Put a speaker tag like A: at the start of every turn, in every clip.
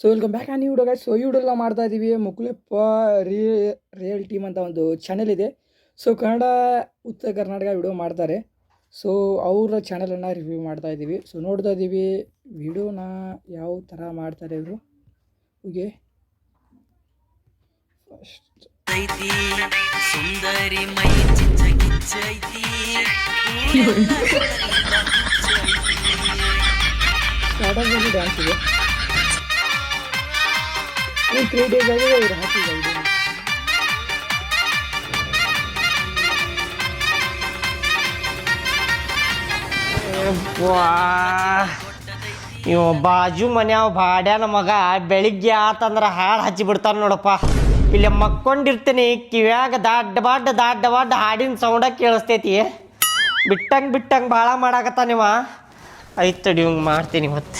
A: So welcome back on video guys. So ಈ video ಮಾಡ್ತಾ ಇದ್ದೀವಿ ಮುಕುಲೆಪ್ಪ ರಿಯಲ್ ಟೀಮ್ ಅಂತ ಒಂದು ಚಾನೆಲ್ ಇದೆ. ಸೊ ಕನ್ನಡ ಉತ್ತರ ಕರ್ನಾಟಕ ವಿಡಿಯೋ ಮಾಡ್ತಾರೆ. ಸೊ ಅವರ ಚಾನಲನ್ನು ರಿವ್ಯೂ ಮಾಡ್ತಾ ಇದ್ದೀವಿ. ಸೊ ನೋಡ್ತಾ ಇದ್ದೀವಿ ವಿಡಿಯೋನ ಯಾವ ಥರ ಮಾಡ್ತಾರೆ ಇವರು. ಹೀಗೆ ಫಸ್ಟ್ ಸುಂದರಿ ಮೈ ಡ್ಯಾನ್ಸ್ ಇದೆ. 3 days ಆಗಿದೆ ಇವರು ಹಾಕಿದ್ದಾರೆ.
B: ಇವ ಬಾಜು ಮನ್ಯಾವ ಬಾಡ್ಯಾನ ಮಗ ಬೆಳಿಗ್ಗೆ ಆತಂದ್ರೆ ಹಾಡು ಹಚ್ಚಿ ಬಿಡ್ತಾನೆ ನೋಡಪ್ಪ. ಇಲ್ಲಿ ಮಕ್ಕೊಂಡಿರ್ತೀನಿ, ಕಿವ್ಯಾಗ ದಾಡ್ಡ ಬಾಡ್ಡ ಹಾಡಿನ ಸೌಂಡ ಕೇಳಿಸ್ತೈತಿ. ಬಿಟ್ಟಂಗೆ ಭಾಳ ಮಾಡಾಕತ್ತಾನಿವ. ಆಯ್ತು ತಡಿ ಇವಂಗೆ ಮಾಡ್ತೀನಿ ಮತ್ತೆ.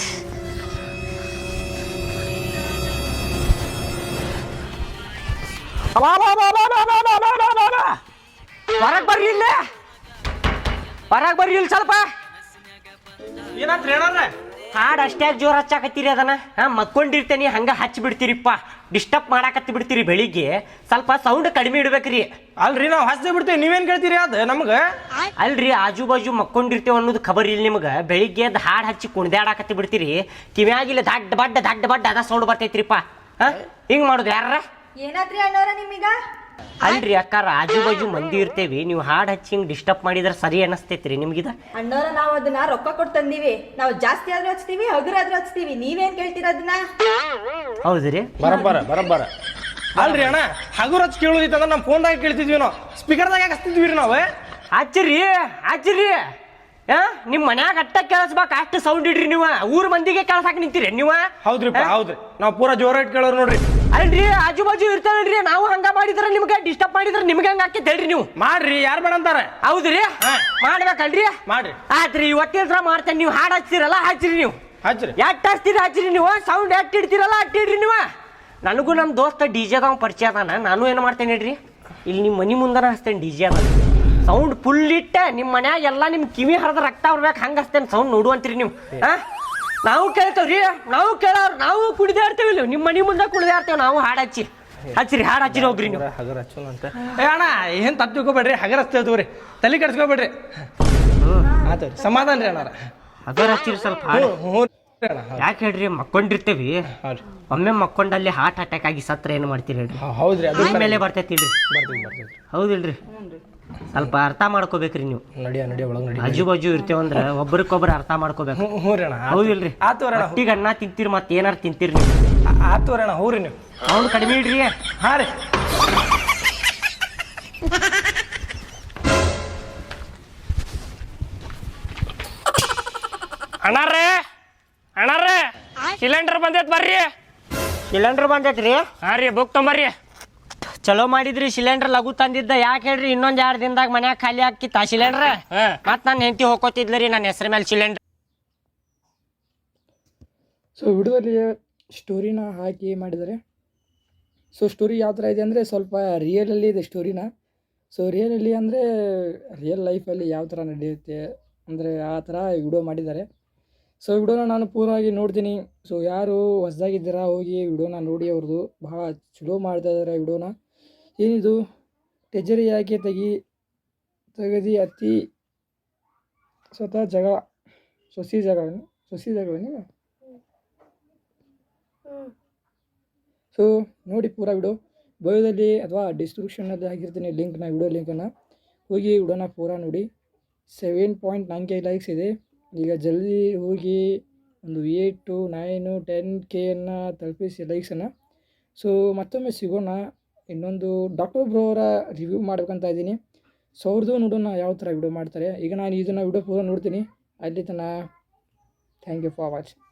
B: ಹೊರಗೆ ಬರ್ರಿ ಇಲ್ಲ, ಹೊರಗೆ ಬರ್ರಿ ಇಲ್ಲಿ ಸ್ವಲ್ಪ.
C: ಏನಾತ್ರ ಹೇಳೋಣ?
B: ಹಾಡು ಅಷ್ಟೇ ಜೋರು ಹಚ್ಚಾಕತ್ತೀರಿ ಅದನ್ನ. ಮಕ್ಕೊಂಡಿರ್ತೇನಿ ಹಂಗೆ ಹಚ್ಚಿ ಬಿಡ್ತೀರಿಪ್ಪ, ಡಿಸ್ಟರ್ಬ್ ಮಾಡಾಕತ್ತಿ ಬಿಡ್ತೀರಿ. ಬೆಳಿಗ್ಗೆ ಸ್ವಲ್ಪ ಸೌಂಡ್ ಕಡಿಮೆ ಇಡ್ಬೇಕ್ರಿ.
C: ಅಲ್ರಿ ನಾವು ಹಚ್ಚದೆ ಬಿಡ್ತೇವೆ, ನೀವೇನು ಕೇಳ್ತೀರಿ? ಅದು ನಮ್ಗೆ
B: ಅಲ್ರಿ, ಆಜು ಬಾಜು ಮಕ್ಕೊಂಡಿರ್ತೇವೆ ಅನ್ನೋದು ಖಬರ್ ಇಲ್ಲ ನಿಮ್ಗೆ. ಬೆಳಿಗ್ಗೆ ಅದು ಹಾಡು ಹಚ್ಚಿ ಕುಣ್ದಾಡಾಕತ್ತಿ ಬಿಡ್ತೀರಿ. ಕಿವ್ಯಾಗಿಲ್ಲ ದಡ್ಡ ಬಡ್ಡ ಅದ ಸೌಂಡ್ ಬರ್ತೈತ್ರಿಪ್ಪ. ಹಿಂಗೆ ಮಾಡೋದು ಯಾರ?
D: ಏನಾದ್ರಿ ಅಣ್ಣವ್ರ ನಿಮೀಗ?
B: ಅಲ್ರಿ ಅಕ್ಕಾರ, ಆಜು ಬಾಜು ಮಂದಿ ಇರ್ತೇವಿ, ನೀವು ಹಾಡು ಹಚ್ಚಿ ಹಿಂಗೆ ಡಿಸ್ಟರ್ಬ್ ಮಾಡಿದ್ರೆ ಸರಿ ಅನಿಸ್ತೈತ್ರಿ ನಿಮ್ಗಿದ?
D: ಅಣ್ಣವ್ರ ನಾವು ಅದನ್ನ ರೊಕ್ಕ ಕೊಟ್ಟು ತಂದೀವಿ. ನಾವು ಜಾಸ್ತಿ ಆದ್ರೂ ಹಚ್ತೀವಿ, ಹಗುರಾದ್ರೂ ಹಚ್ತೀವಿ. ನೀವೇನ್ ಕೇಳ್ತೀರ ಅದನ್ನ?
B: ಹೌದ್ರಿ,
C: ಬರಬ್ಬರ. ಅಲ್ರಿ ಅಣ್ಣ, ಹಗುರ್ ಹಚ್ಚಿ ಕೇಳೋದಿತ್ತಂದ್ರೆ ನಮ್ಮ ಫೋನ್ದಾಗ ಕೇಳ್ತಿದ್ವಿ, ನಾವು ಸ್ಪೀಕರ್ದಾಗ ಯಾಕೆ ಹಚ್ತಿದ್ವಿ ರೀ ನಾವು?
B: ಹಚ್ಚಿರಿ ನಿಮ್ಮ ಮನ್ಯಾಗ ಅಟ್ಟ ಕೇಳಿಸ್ಬೇಕು, ಅಷ್ಟು ಸೌಂಡ್ ಇಡ್ರಿ ನೀವು. ಊರ್ ಮಂದಿಗೆ ಕೇಳ್ಸಾಕ ನಿಂತೀರಿ ನೀವು?
C: ಹೌದ್ರಿಪ್ಪ, ಹೌದ್ರಿ. ನಾವು ಪೂರಾ ಜೋರಾಗಿ ಕೇಳೋರು ನೋಡ್ರಿ.
B: ಅಲ್ರಿ, ಆಜು ಬಾಜು ಇರ್ತಾವಲ್ರಿ, ನಾವು ಹಂಗ ಮಾಡಿದ್ರೆ ನಿಮ್ಗೆ ಡಿಸ್ಟರ್ಬ್ ಮಾಡಿದ್ರೆ ನಿಮ್ಗೆ ಹಂಗ ಹಾಕಿ ಹೇಳ್ರಿ ನೀವು.
C: ಮಾಡ್ರಿ, ಯಾರು ಬೇಡ ಅಂತಾರೆ?
B: ಹೌದ್ರಿ, ಮಾಡ್ಬೇಕಲ್ರಿ.
C: ಮಾಡ್ರಿ.
B: ಆತ್ರಿ, ಇವತ್ತಿನ ಮಾಡ್ತೇನೆ. ನೀವು ಹಾಡು ಹಚ್ಚಿರಲ್ಲ ಹಚ್ಚಿರಿ ನೀವು.
C: ಹಚ್ಚ್ರಿ.
B: ಎಟ್ಟು ಹಚ್ತೀರಿ ಹಚ್ಚಿರಿ ನೀವು. ಸೌಂಡ್ ಎಟ್ಟು ಇಡ್ತೀರಲ್ಲ ಅಟ್ಟು ಇಡ್ರಿ ನೀವು. ನನಗೂ ನಮ್ಮ ದೋಸ್ತ ಡಿಜೆದವ ಪರಿಚಯ ಅದಾನ. ನಾನು ಏನು ಮಾಡ್ತೇನೆ ಹೇಳ್ರಿ, ಇಲ್ಲಿ ನಿಮ್ಮ ಮನೆ ಮುಂದನ ಹಚ್ತೇನೆ ಡಿಜೆ ಅದ. ಸೌಂಡ್ ಫುಲ್ ಇಟ್ಟ ನಿಮ್ಮ ಮನ್ಯಾಗ ಎಲ್ಲ ನಿಮ್ಮ ಕಿವಿ ಹರಿದ ರಕ್ತ ಬರ್ಬೇಕು ಹಂಗೆ ಹಚ್ತೇನೆ. ಸೌಂಡ್ ನೋಡುವಂತೀರಿ ನೀವು. ನಾವು ಕೇಳ್ತೇವ್ರಿ, ನಾವು ಕೇಳೋರು, ನಾವು ಕುಡಿದೇ ಇರ್ತೇವೆ. ಇಲ್ಲಿ ನಿಮ್ಮ ಮನೆ ಮುಂದೆ ಕುಡಿದೇ ಇರ್ತೇವೆ ನಾವು. ಹಾಡು ಹಚ್ಚಿರಿ ಹಾಡು ಹಚ್ಚಿರಿ ಹೋಗ್ರಿ ನೀವು.
C: ಹಗರ್ ಹಚ್ಚೋಣ ಅಂತ ಅಣ್ಣ, ಏನು ತಪ್ಪು ತಿಳ್ಕೊಬೇಡ್ರಿ. ಹಗರ್ ಹಚ್ತೇವ್ರಿ, ತಲೆ ಕೆಡ್ಸ್ಕೊಬೇಡ್ರಿ. ಆತವ್ರಿ, ಸಮಾಧಾನ ರೀ ಅಣ್ಣ.
B: ಹಗರ್ ಹಚ್ಚಿರಿ ಸ್ವಲ್ಪ. ಯಾಕೆ ಹೇಳ್ರಿ, ಮಕ್ಕೊಂಡಿರ್ತೇವಿ. ಒಮ್ಮೆ ಮಕ್ಕೊಂಡಲ್ಲಿ ಹಾರ್ಟ್ ಅಟ್ಯಾಕ್ ಆಗಿ ಸತ್ರ ಏನು ಮಾಡ್ತೀರಿ ಹೇಳ್ರಿ?
C: ಹೌದ್ರಿ, ಅದು
B: ಮೇಲೆ ಬರ್ತೈತಿ ಇಲ್ರಿ? ಹೌದಿಲ್ರಿ? ಸ್ವಲ್ಪ ಅರ್ಥ ಮಾಡ್ಕೋಬೇಕ್ರಿ ನೀವು.
C: ನಡಿಯ ಒಳಗೆ ನಡಿ.
B: ಆಜು ಬಾಜು ಇರ್ತೇವಂದ್ರ ಒಬ್ಬರಿಗೊಬ್ಬರು ಅರ್ಥ ಮಾಡ್ಕೋಬೇಕು. ಹೌದಿಲ್ರಿ? ಒಟ್ಟಿಗೆ ಅನ್ನ ತಿಂತೀರಿ, ಮತ್ತೆ ಏನಾರು ತಿಂತೀರಿ ನೀವು.
C: ಆತೋರಣ ಹೌರಿ. ನೀವು
B: ಅವ್ನು ಕಡಿಮೆ ಇಡ್ರಿ.
C: ಹಾಂ ರೀ. ಅಣ್ಣಾರೇ ಸಿಲಿಂಡರ್ ಬಂದೈತ್ ಬರ್ರಿ.
B: ಸಿಲಿಂಡರ್ ಬಂದೈತ್ರಿ?
C: ಹಾಂ ರೀ, ಬುಕ್ ತೊಂಬರ್ರಿ.
B: ಚಲೋ ಮಾಡಿದ್ರಿ, ಸಿಲಿಂಡರ್ ಲಘು ತಂದಿದ್ದ. ಯಾಕೆ ಹೇಳ್ರಿ, ಇನ್ನೊಂದ್ 2 ದಿನದಾಗ ಮನ್ಯಾಗ ಖಾಲಿ ಹಾಕಿತ್ತ ಸಿಲಿಂಡರ್. ಮತ್ ನನ್ನ ಹೆಂಡತಿ ಹೋಗೋತಿದ್ಲರಿ ನನ್ನ ಹೆಸರು ಮೇಲೆ ಸಿಲಿಂಡರ್.
A: ಸೊ ವಿಡಿಯೋದಲ್ಲಿ ಸ್ಟೋರಿನ ಹಾಕಿ ಮಾಡಿದ್ದಾರೆ. ಸೊ ಸ್ಟೋರಿ ಯಾವ ಥರ ಇದೆ ಅಂದರೆ ಸ್ವಲ್ಪ ರಿಯಲಲ್ಲಿ ಇದೆ ಸ್ಟೋರಿನ. ಸೊ ರಿಯಲಲ್ಲಿ ಅಂದರೆ ರಿಯಲ್ ಲೈಫಲ್ಲಿ ಯಾವ ಥರ ನಡೆಯುತ್ತೆ ಅಂದರೆ ಆ ಥರ ವಿಡಿಯೋ ಮಾಡಿದ್ದಾರೆ. ಸೊ ವಿಡಿಯೋನ ನಾನು ಪೂರ್ಣವಾಗಿ ನೋಡ್ತೀನಿ. ಸೊ ಯಾರು ಹೊಸದಾಗಿದ್ದೀರಾ ಹೋಗಿ ವಿಡಿಯೋನ ನೋಡಿ, ಅವ್ರದ್ದು ಭಾಳ ಚಲೋ ಮಾಡ್ತಾ ಇದ್ದಾರೆ ವಿಡಿಯೋನ. ಏನಿದು ಟೆಜರಿ ಯಾಕೆ ತೆಗದಿ ಅತಿ ಸ್ವತಃ ಸೊಸಿ ಜಗಳೇನು? ಸೊ ನೋಡಿ ಪೂರ ವಿಡಿಯೋ ಬಯೋದಲ್ಲಿ ಅಥವಾ ಡಿಸ್ಕ್ರಿಪ್ಷನಲ್ಲಿ ಹಾಕಿರ್ತೀನಿ ಲಿಂಕ್ನ, ವಿಡಿಯೋ ಲಿಂಕನ್ನು. ಹೋಗಿ ವಿಡಿಯೋನ ಪೂರ ನೋಡಿ. 7.9K ಲೈಕ್ಸ್ ಇದೆ. ಈಗ ಜಲ್ದಿ ಹೋಗಿ ಒಂದು 8 to 9 10Kಯನ್ನು ತಲುಪಿಸಿ ಲೈಕ್ಸನ್ನು. ಸೊ ಮತ್ತೊಮ್ಮೆ ಸಿಗೋಣ. ಇನ್ನೊಂದು ಡಾಕ್ಟರ್ ಬ್ರೋ ಅವರ ರಿವ್ಯೂ ಮಾಡ್ಬೇಕಂತ ಇದ್ದೀನಿ. ಸೊ ಅವ್ರದ್ದು ನೋಡೋಣ ಯಾವ ಥರ ವಿಡಿಯೋ ಮಾಡ್ತಾರೆ. ಈಗ ನಾನು ಇದನ್ನು ವಿಡಿಯೋ ಪೂರ ನೋಡ್ತೀನಿ. ಅಲ್ಲಿ ತನಕ ಥ್ಯಾಂಕ್ ಯು ಫಾರ್ ವಾಚಿಂಗ್.